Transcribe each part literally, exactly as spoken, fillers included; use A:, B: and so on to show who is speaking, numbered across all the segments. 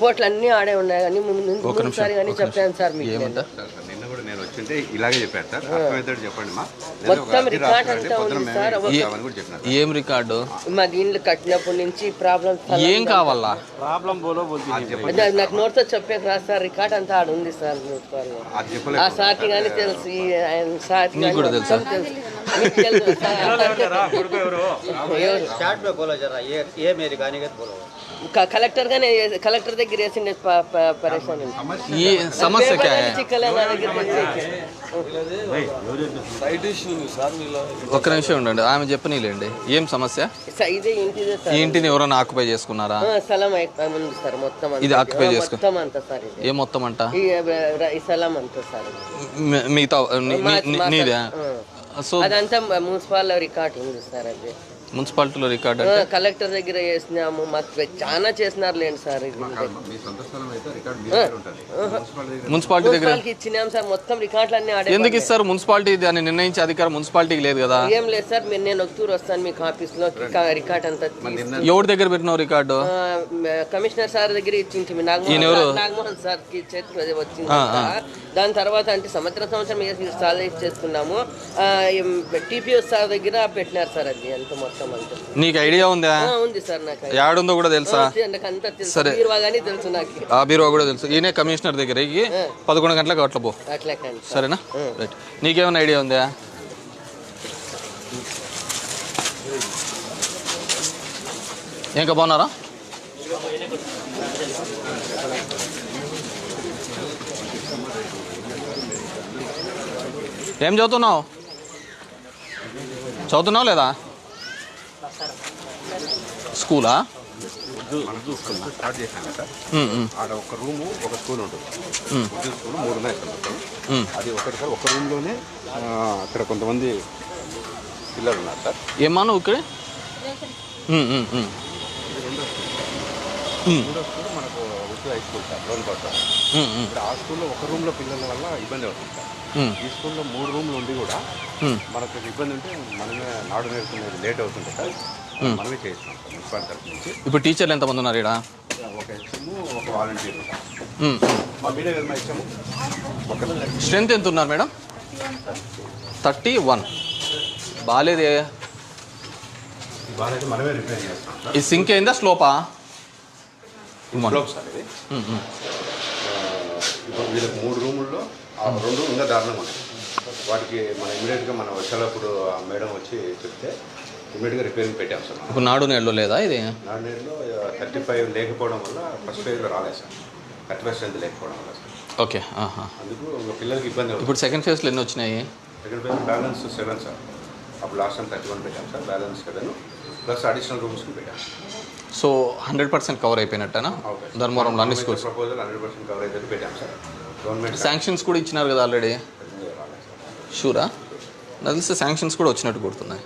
A: రిపోర్ట్లు అన్నీ ఆడే ఉన్నాయి కానీ ముందుసారి కానీ చెప్పాను సార్ మీకు
B: నిన్న కూడా నేను వచ్చింటే ఇలాగే చెప్పాను సార్ అర్థమవుతాడు చెప్పండి మా
A: మొత్తం రికార్డ్ అంతా ఉంది సార్.
C: ఏం రికార్డు?
A: మా దీంట్లో కట్టినప్పటి నుంచి ప్రాబ్లం
C: ఏం కావాలా?
D: ప్రాబ్లం బోలో
A: నాకు నోట్తో చెప్పేది రాదు సార్. రికార్డ్ అంతా ఆడ ఉంది సార్. ఆ సార్కి కానీ తెలుసు, ఆయన సార్కి
C: కూడా తెలుసు.
A: కలెక్టర్ గానే కలెక్టర్ దగ్గర వేసిండే పరేషాన్.
C: ఈ సమస్య ఒక్క నిమిషం ఉండండి, ఆమె చెప్పనీలేండి. ఏం సమస్య?
A: ఇదే ఇంటిదే సార్.
C: ఈ ఇంటిని ఎవరైనా ఆక్యుపై చేసుకున్నారా?
A: స్థలం ఉంది సార్. మొత్తం
C: ఇది ఆక్యుపై చేసుకో
A: మొత్తం అంతా సార్.
C: ఏ మొత్తం అంట?
A: ఈ స్థలం అంతా సార్.
C: మిగతా నీదే? సో
A: అదంతా మున్సిపల్ రికార్డ్ ఉంది సార్. అది
C: మున్సిపాలిటీలో రికార్డ్
A: కలెక్టర్ దగ్గర చేసినాము. మాకు చాలా చేసినారు లేండి సార్.
C: మున్సిపాలిటీ దగ్గర
A: ఇచ్చినాం సార్. మొత్తం రికార్డులు అన్ని ఆడే.
C: ఎందుకు ఇస్తారు? మున్సిపాలిటీ దాన్ని నిర్ణయించే అధికారం మున్సిపాలిటీకి లేదు కదా?
A: ఏం లేదు సార్. మీరు నేను ఒకటూరు వస్తాను మీకు ఆఫీస్ లో. రికార్డ్ అంతా
C: ఎవరి దగ్గర పెట్టినావు రికార్డు?
A: కమిషనర్ సార్ దగ్గర ఇచ్చింది. నాగమోహన్ సార్ కి చేతికి వచ్చింది. దాని తర్వాత అంటే సంవత్సరం సంవత్సరం సాల్వ్ చేస్తున్నాము. టీపీఎస్ సార్ దగ్గర పెట్టినారు సార్. అది అంత మొత్తం.
C: నీకు ఐడియా ఉందా?
A: ఉంది సార్. నాకు
C: యాడుందో కూడా తెలుసా?
A: సరే, తెలుసు నాకు.
C: ఆ బీరువా కూడా తెలుసు. ఈయనే కమిషనర్ దగ్గర పదకొండు గంటలకు అట్లా పో. సరేనా? రైట్. నీకేమైనా ఐడియా ఉందా? ఇంకా బాగున్నారా? ఏం చదువుతున్నావు? చదువుతున్నావు లేదా? స్కూలా?
B: స్టార్ట్ చేశాను కదా ఆడ ఒక రూము ఒక స్కూల్ ఉంటుంది. ఉర్దూ స్కూల్ మూడు ఉన్నాయి సార్ మొత్తం. అది ఒకటి సార్. ఒక రూమ్లోనే అక్కడ కొంతమంది పిల్లలు ఉన్నారు సార్.
C: ఏమన్నా ఇక్కడ
B: మూడో స్కూల్ మనకు ఉర్దూ హై స్కూల్ సార్. లోన్ పడతారు. ఇప్పుడు ఆ స్కూల్లో ఒక రూమ్లో పిల్లల వల్ల ఇబ్బంది అవుతుంది సార్. ఈ స్కూల్లో మూడు రూమ్లు ఉండి కూడా మనకు ఇబ్బంది ఉంటే మనమే నాడు నేర్చుకునేది లేట్ అవుతుంది సార్. మనమే చేస్తాం సార్ మున్సిపాలిటీ తరఫు నుంచి.
C: ఇప్పుడు టీచర్లు ఎంతమంది ఉన్నారు ఇక్కడ?
B: ఒక హెచ్ఎము ఒక వాలంటీర్. మా మీడియా వెల్మ హెచ్ఎము ఒక.
C: స్ట్రెంత్ ఎంత ఉన్నారు మేడం? Thirty one. బాగాలేదే.
B: బాగాలేదు, మనమే రిపేర్ చేస్తాం.
C: ఈ సింక్ అయిందా స్లోపా?
B: స్లోప్ సార్ ఇది. ఇప్పుడు వీళ్ళకి మూడు రూముల్లో రెండు ఇంకా దారుణంగా ఉన్నాయి. వాటికి మనం ఇమీడియట్గా మనం వచ్చేటప్పుడు ఆ మేడం వచ్చి చెప్తే ఇమీడియట్గా రిపేరింగ్ పెట్టాం సార్.
C: ఇప్పుడు నాడు నేడులో లేదా ఇది?
B: నాడు నేడులో థర్టీ ఫైవ్ లేకపోవడం వల్ల ఫస్ట్ ఫేజ్లో రాలేదు సార్. థర్టీ ఫైవ్ స్ట్రెంత్ లేకపోవడం వల్ల సార్.
C: ఓకే.
B: అందుకు పిల్లలకి ఇబ్బంది అవుతుంది.
C: ఇప్పుడు సెకండ్ ఫేజ్లో ఎన్ని వచ్చినాయి?
B: Second phase balance seven sir. అప్పుడు లాస్ట్ టైం థర్టీ వన్ పెట్టాం sir. Balance seven plus additional రూమ్స్కి పెట్టాం.
C: సో హండ్రెడ్ పర్సెంట్ కవర్ అయిపోయినట్టేనా ధర్మవరంలో అన్ని schools?
B: Proposal hundred percent cover అయితే పెట్టాం సార్. గవర్నమెంట్
C: శాంక్షన్స్ కూడా ఇచ్చినారు కదా ఆల్రెడీ? షూరా? నాకు తెలిస్తే శాంక్షన్స్ కూడా వచ్చినట్టు గుర్తున్నాయి.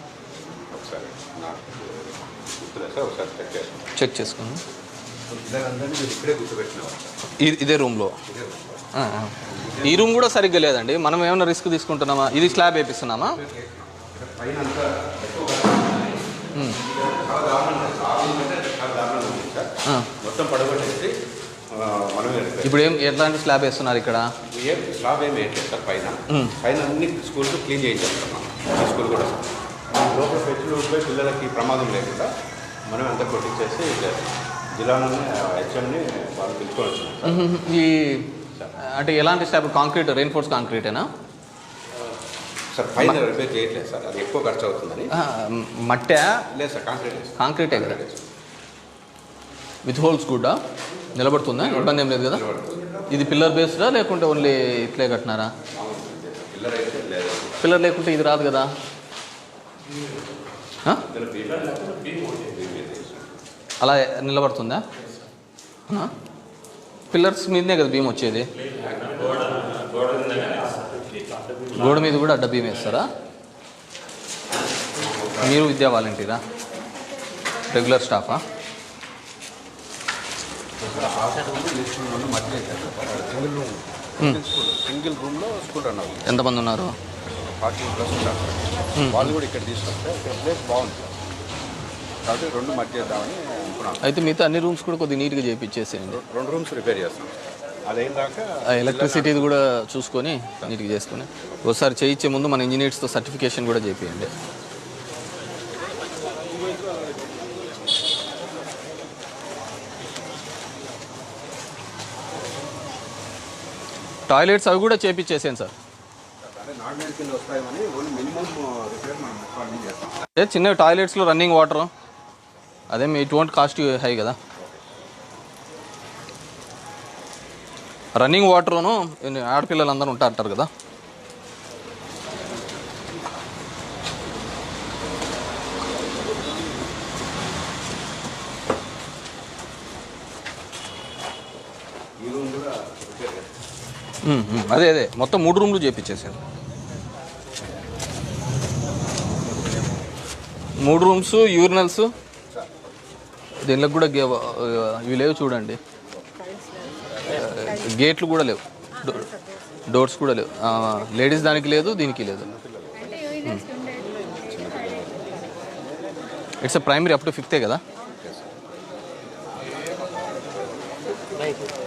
C: చెక్ చేసుకోండి. ఇదే రూమ్లో. ఈ రూమ్ కూడా సరిగ్గా లేదండి. మనం ఏమైనా రిస్క్ తీసుకుంటున్నామా? ఇది స్లాబ్ వేపిస్తున్నామా? ఇప్పుడు ఏం ఎట్లాంటి స్లాబ్ వేస్తున్నారు ఇక్కడ?
B: ఏం స్లాబ్ ఏమి వేయట్లేదు సార్. పైన పైన అన్ని స్కూల్స్ క్లీన్ చేయించేస్తున్నాం. ఈ స్కూల్ కూడా లోపల పెట్టులు ఉంటే పిల్లలకి ప్రమాదం లేకుండా మనం అంతా కొట్టించేసి జిల్లాలోనే హెచ్ఎంని వాళ్ళు పిలుచుకొని వచ్చినాం.
C: ఈ అంటే ఎలాంటి స్లాబ్? కాంక్రీట్, రెయిన్ఫోర్స్ కాంక్రీటేనా
B: సార్? పైన రిపేర్ చేయట్లేదు సార్, అది ఎక్కువ ఖర్చు అవుతుందని.
C: మట్టా?
B: లేదు సార్, కాంక్రీట్.
C: కాంక్రీటే కదా. విత్ హోల్స్ కూడా నిలబడుతుందా? ఇబ్బంది ఏం లేదు కదా? ఇది పిల్లర్ బేస్డా లేకుంటే ఓన్లీ ఇట్లే కట్టినారా? పిల్లర్ లేకుంటే ఇది రాదు కదా. అలా నిలబడుతుందా? పిల్లర్స్ మీదనే కదా భీమ్ వచ్చేది. గోడ మీద కూడా అడ్డ భీమ్ వేస్తారా? మీరు విద్యా వాలంటీరా? రెగ్యులర్ స్టాఫా?
B: సింగిల్ రూమ్లో స్కూల్ రన్ అవుతుంది.
C: ఎంతమంది ఉన్నారు?
B: ఫార్టీ ప్లస్ ఉన్నారు సార్. వాళ్ళు కూడా ఇక్కడ తీసుకొస్తే ఇక్కడ ప్లేస్ బాగుంది సార్. కాబట్టి రెండు మధ్య చేద్దామని
C: అయితే మిగతా అన్ని రూమ్స్ కూడా కొద్దిగా నీట్గా చేయించేసేయండి.
B: రెండు రూమ్స్ రిపేర్ చేస్తాం. అదేందాక
C: ఎలక్ట్రిసిటీది కూడా చూసుకొని నీట్గా చేసుకొని ఒకసారి చేయించే ముందు మన ఇంజనీర్స్తో సర్టిఫికేషన్ కూడా చేయించండి. టాయిలెట్స్ అవి కూడా చేయించేసాను సార్. అదే చిన్న టాయిలెట్స్లో రన్నింగ్ వాటర్ అదే ఇట్ వోంట్ కాస్ట్ హై కదా. రన్నింగ్ వాటర్ను ఆడపిల్లలు అందరూ ఉంటా అంటారు కదా. అదే అదే మొత్తం మూడు రూమ్లు చేయించేసాను. మూడు రూమ్స్ యూరినల్స్ దీనిలో కూడా ఇవి లేవు చూడండి. గేట్లు కూడా లేవు, డోర్స్ కూడా లేవు. లేడీస్ దానికి లేదు, దీనికి లేదు. ఇట్స్ ప్రైమరీ అప్ టు ఫిఫ్తే కదా.